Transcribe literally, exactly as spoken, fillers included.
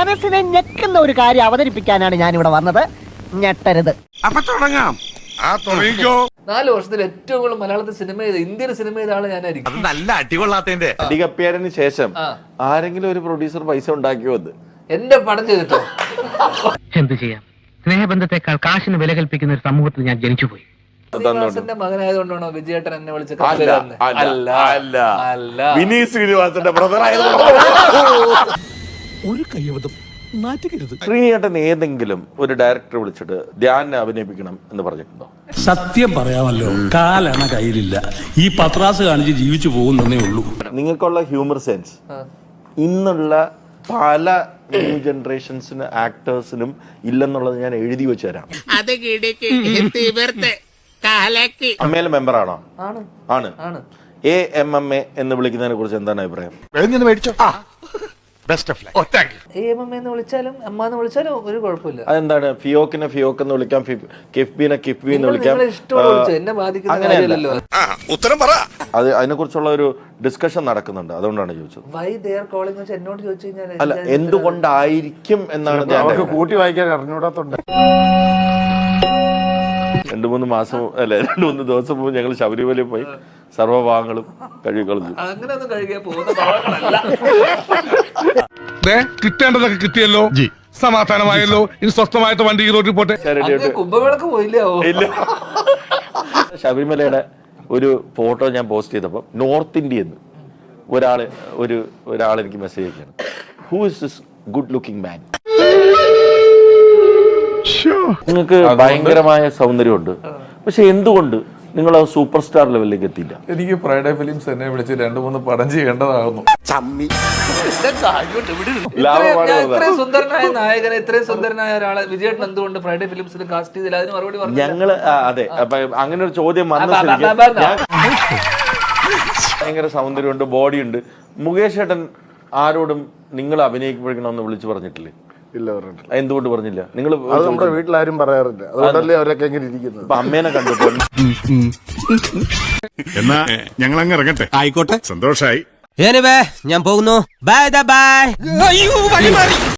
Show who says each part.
Speaker 1: മനസ്സിനെ ഞെക്കുന്ന ഒരു കാര്യം അവതരിപ്പിക്കാനാണ് ഞാൻ ഇവിടെ വന്നത്. ഞെട്ടരുത്.
Speaker 2: അപ്പൊ തുടങ്ങാം. ആ തുടങ്ങിക്കോ.
Speaker 3: നാല് വർഷത്തിൽ ഏറ്റവും കൂടുതൽ മലയാളത്തിൽ സിനിമ ചെയ്ത ഇന്ത്യൻ സിനിമ ചെയ്ത ആള് ഞാനായിരിക്കും.
Speaker 2: അത് നല്ല അടികൊള്ളാത്തതിന്റെ
Speaker 4: അടികപ്പിയാരന് ശേഷം ആരെങ്കിലും ഒരു പ്രൊഡ്യൂസർ പൈസ ഉണ്ടാക്കിയോ? അത്
Speaker 3: എന്റെ പടം ചെയ്തിട്ടോ?
Speaker 5: എന്ത് ചെയ്യാം, സ്നേഹബന്ധത്തെക്കാൾ കാശിന് വില കൽപ്പിക്കുന്ന ഒരു സമൂഹത്തിൽ ഞാൻ ജനിച്ചുപോയി.
Speaker 3: ശ്രീനിവാസന്റെ മകനായതുകൊണ്ടാണോ വിജയേട്ടൻ എന്നെ വിളിച്ച?
Speaker 4: വിനീത് ശ്രീനിവാസന്റെ ബ്രദർ ആയതുകൊണ്ട്
Speaker 6: ഒരു കയ്യബദ്ധം നാറ്റുകരുത്.
Speaker 4: ശ്രീനിയേട്ടൻ ഏതെങ്കിലും ഒരു ഡയറക്ടറെ വിളിച്ചിട്ട് ധ്യാനെ അഭിനയിപ്പിക്കണം എന്ന് പറഞ്ഞിട്ടുണ്ടോ?
Speaker 6: സത്യം പറയാമല്ലോ, കാലണ കയ്യിലില്ല. ഈ പത്രാസ് കാണിച്ച് ജീവിച്ചു പോകുന്നേ ഉള്ളൂ.
Speaker 4: നിങ്ങൾക്കുള്ള ഹ്യൂമർ സെൻസ് ഇന്നുള്ള പല ന്യൂ ജനറേഷൻസിന് ആക്ടേഴ്സിനും ഇല്ലെന്നുള്ളത് ഞാൻ എഴുതി വെച്ച് തരാം. അമ്മയിലെ മെമ്പർ ആണോ? ആണ്. എ എം എം എ എന്ന് വിളിക്കുന്നതിനെ കുറിച്ച് എന്താണ് അഭിപ്രായം?
Speaker 3: വിളിച്ചാലും അമ്മ എന്ന് വിളിച്ചാലും ഒരു കുഴപ്പമില്ല.
Speaker 4: അതെന്താണ്? ഫിയോക്കിനെ ഫിയോക്ക് എന്ന് വിളിക്കാം, കിഫ്ബിനെ കിഫ്ബി എന്ന് വിളിക്കാം.
Speaker 2: ഉത്തരം പറ.
Speaker 4: അത് അതിനെ കുറിച്ചുള്ള ഒരു ഡിസ്കഷൻ നടക്കുന്നുണ്ട്, അതുകൊണ്ടാണ് ചോദിച്ചത്.
Speaker 3: എന്നോട് ചോദിച്ചു കഴിഞ്ഞാൽ
Speaker 4: അല്ല, എന്തുകൊണ്ടായിരിക്കും എന്നാണ്
Speaker 7: കൂട്ടി വായിക്കാൻ അറിഞ്ഞൂടാത്തോണ്ട്.
Speaker 4: രണ്ടു മൂന്ന് മാസം അല്ലെ രണ്ടു മൂന്ന് ദിവസം മുമ്പ് ഞങ്ങൾ ശബരിമലയിൽ പോയി സർവ്വഭാഗങ്ങളും കഴുകി കളഞ്ഞു.
Speaker 3: അങ്ങനെയൊന്നും കഴുകിയാൽ പോകുന്ന ഭാഗങ്ങളല്ല.
Speaker 2: കിട്ടേണ്ടതൊക്കെ കിട്ടിയല്ലോ, സമാധാനമായല്ലോ. ഇനി സ്വസ്ഥമായിട്ട് വണ്ടി ഈ റോഡിൽ പോട്ടെ.
Speaker 3: കുംഭമേളക്ക് പോയില്ലോ?
Speaker 4: ഇല്ല. ശബരിമലയുടെ ഒരു ഫോട്ടോ ഞാൻ പോസ്റ്റ് ചെയ്തപ്പോൾ നോർത്ത് ഇന്ത്യന്ന് ഒരാള് ഒരു ഒരാൾ എനിക്ക് മെസ്സേജ് അയക്കുകയാണ്. Who is this good looking man? നിങ്ങൾക്ക് ഭയങ്കരമായ സൗന്ദര്യമുണ്ട്, പക്ഷെ എന്തുകൊണ്ട് നിങ്ങൾ സൂപ്പർ സ്റ്റാർ ലെവലിലേക്ക് എത്തിയില്ല?
Speaker 7: എനിക്ക് ഫ്രൈഡേ ഫിലിംസ് എന്നെ വിളിച്ച് രണ്ടു മൂന്ന് പടം ചെയ്യേണ്ടതാകുന്നു.
Speaker 3: ഇത്രയും സുന്ദരനായ നായകനെ, ഇത്രയും സുന്ദരനായ ഒരാളെ വിജയേട്ടൻ എന്തുകൊണ്ട് ഫ്രൈഡേ ഫിലിംസിൽ കാസ്റ്റ് ചെയ്തില്ല? അതിന് മറുപടി പറഞ്ഞു.
Speaker 4: ഞങ്ങള് അതെ, അപ്പൊ അങ്ങനെ ഒരു ചോദ്യം വന്ന ഭയങ്കര സൗന്ദര്യമുണ്ട്, ബോഡിയുണ്ട്. മുകേഷ് ഏട്ടൻ ആരോടും നിങ്ങൾ അഭിനയിക്കണമെന്ന് വിളിച്ചു പറഞ്ഞിട്ടില്ലേ?
Speaker 7: ഇല്ല, പറഞ്ഞിട്ടില്ല.
Speaker 4: എന്തുകൊണ്ട് പറഞ്ഞില്ല? നിങ്ങൾ
Speaker 7: നമ്മുടെ വീട്ടിലാരും പറയാറില്ല, അതുകൊണ്ടല്ലേ അവരൊക്കെ എങ്ങനെ ഇരിക്കുന്നത്.
Speaker 4: അപ്പൊ അമ്മേനെ കണ്ടപ്പോ
Speaker 2: എന്നാ ഞങ്ങൾ അങ്ങ് ഇറങ്ങട്ടെ. ആയിക്കോട്ടെ, സന്തോഷായി.
Speaker 8: ഞാൻ പോകുന്നു. Bye by.